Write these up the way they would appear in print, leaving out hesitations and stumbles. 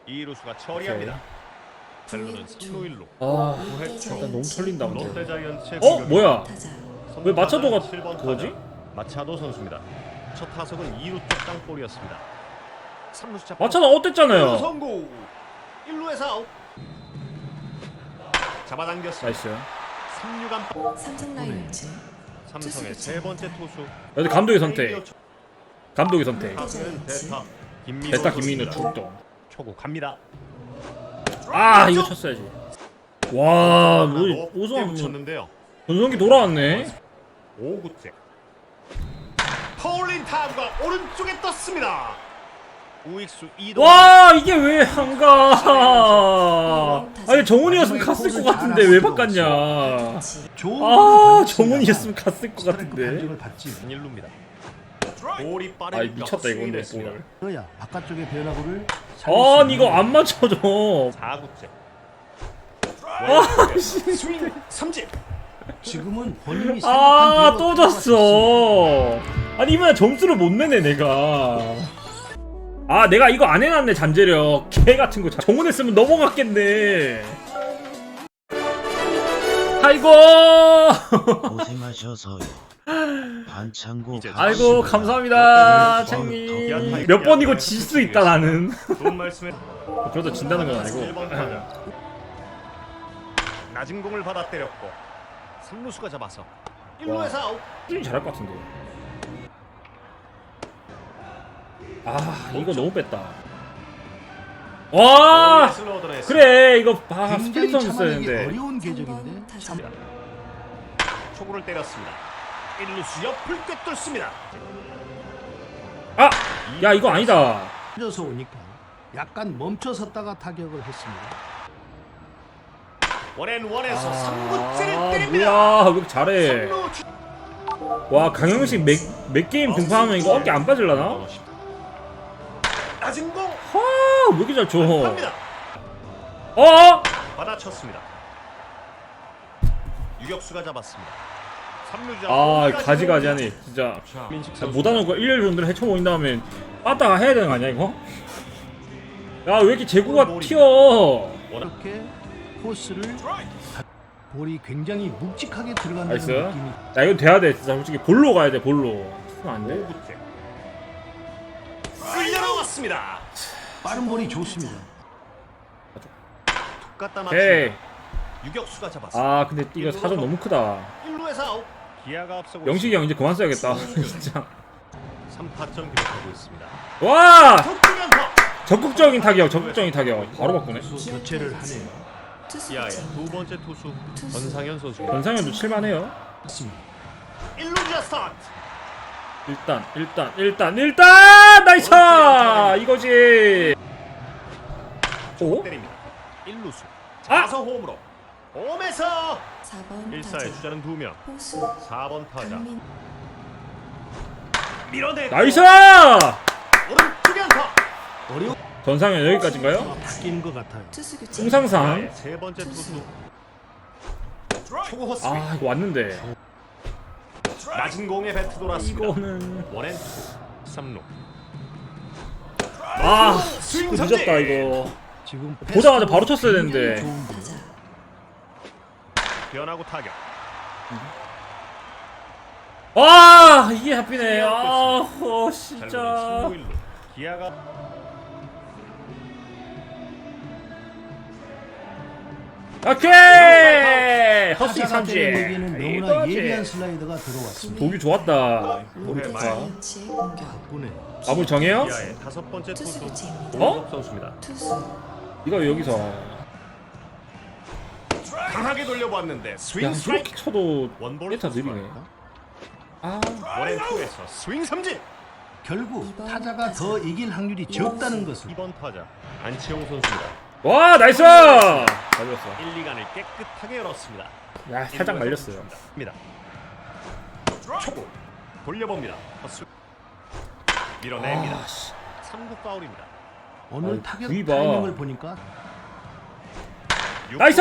이루수가 처리합니다. 벨루는 3루 1루. 아 일단 너무 털린다 근데. 롯데자이언츠의 뭐야? 공격입니다. 왜 마차도가 7번 그거지? 타자, 마차도 선수입니다. 첫 타석은 2루 쪽 땅볼이었습니다. 3루 잡 마차도 어땠잖아요. 성공. 1루에서 아웃. 잡아당겼습니다. 나이스. 3루간 삼성 라이온즈 삼성의 세 번째 투수. 여기 감독의 선택. 감독의 선택. 타수는 대타 김민우 대타 김민우 선수입니다. 출동. 초구 갑니다. 아 이거 쳤어야지. 와 높게 오성 붙였는데요. 전성기 돌아왔네. 5구째. 파울린 타구가 오른쪽에 떴습니다. 우익수 이동. 와 이게 왜 안 가? 아니 정훈이었으면 갔을 것 같은데 왜 바꿨냐? 아 정훈이었으면 갔을 것 같은데. 1루입니다. 볼이 빠르니까 아 미쳤다 이건데 스윙했습니다. 볼. 그래야 바깥쪽의 변화구를 아니 이거 안 맞춰줘. 4구째. 스윙 삼진. 지금은 본인이 아 생각한 또 대로 졌어. 아니 이번에 점수를 못 내네 내가. 아 내가 이거 안 해놨네 잠재력. 개 같은 거 정훈했으면 넘어갔겠네. 아이고. 고생하셔서요. 반창고 이제 아이고 감사합니다 챙님. 몇 번 이거 질 수 있다 나는. 좋은 말씀에 그래도 진다는 건 1번 아니고. 타자. 낮은 공을 받아 때렸고 3루수가 잡아서 1루에서 아웃. 꾸준히 잘할 것 같은데. 아 이거 너무 뺐다. 와 슬로우 얻어냈습니다. 그래 이거 아 굉장히 스플릿 선수 참아내기 했는데. 어려운 궤적인데 타자 초구를 때렸습니다. 1루수 옆을 꿰뚫습니다. 아! 야 이거 아니다. 져서 오니까 약간 멈춰섰다가 타격을 했습니다. 원앤원에서 아 3구째를 때립니다. 뭐야 왜 이렇게 잘해. 3루 주... 와 강영식 몇 게임 등판하면 이거 어깨 안 빠질라나? 낮은 공 왜 이렇게 잘 쳐. 갑니다. 받아쳤습니다. 유격수가 잡았습니다. 3루자 아 가지가지하네 진짜. 민식 야, 선수 못하는 거 1년 정도를 헤쳐모인 다음에 빠따가 해야 되는 거 아니야 이거? 야 왜 이렇게 제구가 튀어. 이렇게 코스를 볼이 굉장히 묵직하게 들어간다는 나이스. 느낌이 야 이거 돼야 돼 진짜 솔직히 볼로 가야 돼 볼로. 안 돼. 5구째 쓸려나왔습니다. 빠른 볼이 좋습니다. 툭 갖다 오케이. 맞춥니다. 유격수가 잡았습니다. 아 근데 이거 사전 너무 크다. 1루에서 아웃. 기아가 앞서고 영식이 형 이제 그만 써야겠다 진짜. 3타점 기록하고 있습니다. 와 속주면서 적극적인 타격 적극적인 타격 바로 바꾸네. 수 교체를 하네요. 투수 기아의 교체입니다. 두 번째 투수 권상현 선수입니다. 권상현도 칠만해요. 맞습니다. 1루자 스타트. 일단 나이스 이거지. 오? 때립니다. 1루수. 아! 자서 홈으로. 홈에서 4번 1사의 타자 주자는 2명. 호수 4번 타자. 강민 밀어내고 나이스. 오른쪽에 안타. 어려운 권상현 여기까지인가요? 바뀐 것 같아요. 투수 교체 홍상상. 기아의 세 번째 투수. 초구 헛스윙. 아 이거 왔는데. 낮은 공에 배트 돌았습니다. 이거는 원앤 3루. 아 스윙 이거 삼진. 늦었다 이거. 지금 보자마자 바로 쳤어야 되는데. 좋은 볼. 타자 변하고 타격. 아 이게 잡히네. 진짜. 잘 1루. 기아가 오케이 허스윙 타자가 때린 삼진. 얘기는 너무나 예리한 이거지. 슬라이더가 들어왔습니다. 보기 좋았다. 롯데 말. 자이언츠의 공격 바꾸네. 마무리 정해요? 기아의 다섯 번째 투수 투수 교체입니다. 어? 선수입니다. 투수 이거 여기서. 강하게 돌려보았는데 스윙 야 스트라이크. 이렇게 쳐도 원볼 메타 느리네. 투수가 아 원앤 투에서 스윙 삼진. 결국 이번 타자가 타자. 더 이길 확률이 적다는 것을 2번 타자 안치홍 선수입니다. 와 나이스. 말렸어. 1, 2간을 깨끗하게 열었습니다. 야 살짝 말렸어요. 입니다. 초구 돌려봅니다. 헛스윙. 밀어냅니다. 아, 씨. 3구 파울입니다. 오늘 아이, 타격 구이 봐. 타이밍을 보니까 나이스.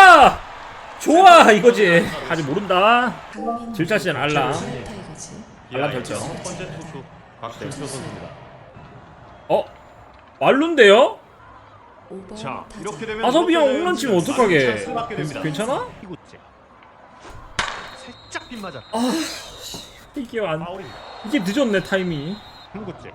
좋아 이거지. 아직 모른다. 강민 질차 시즌 알람. 타이거즈 알람 기아의 설정. 첫 번째 투수 곽준표 선수입니다. 말룬데요? 5번 자, 타자. 이렇게 되면 아섭이 형 롯데자이언츠는 홈런 치면 많은 어떡하게. 찬스를 받게 됩니다. 괜찮아? 이구째. 살짝 빗맞았다. 이게 파울입니다. 이게 늦었네 타이밍이. 3구째.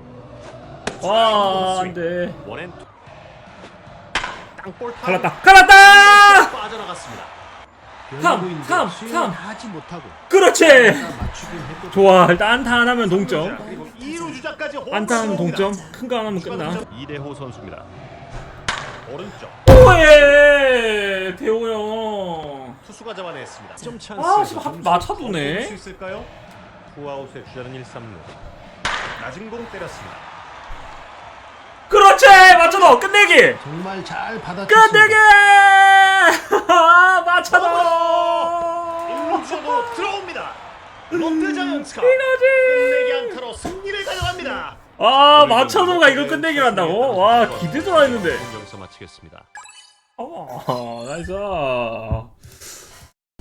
와 안돼. 원앤투. 땅볼 타고 갈랐다. 빠져나갔습니다. 변화구인데 삼. 스윙을 하지 못하고 그렇지. 맞추긴 했거든. 좋아 일단 안타 안 하면 동점. 그리고 2루 주자까지 안타 하면 동점. 큰 거 안 하면 끝나. 이대호 선수입니다. 오른쪽 오예 대호 형. 투수가 잡아냈습니다. 점 아, 찬스. 지금 한 맞춰두네. 수 있을까요? 투아웃의 주자는 1, 3루. 낮은 공 때렸습니다. 그렇지 맞춰도 끝내기. 정말 잘 끝내기. 받아쳤습니다. 맞춰도. 1루주자도 들어옵니다. 롯데자이언츠가 이거지. 끝내기 안타로 승리를 가져갑니다. 아 맞춰도가 이걸 끝내기를 한다고? 와 기대도 안 했는데. 여기서 마치겠습니다. 나이스.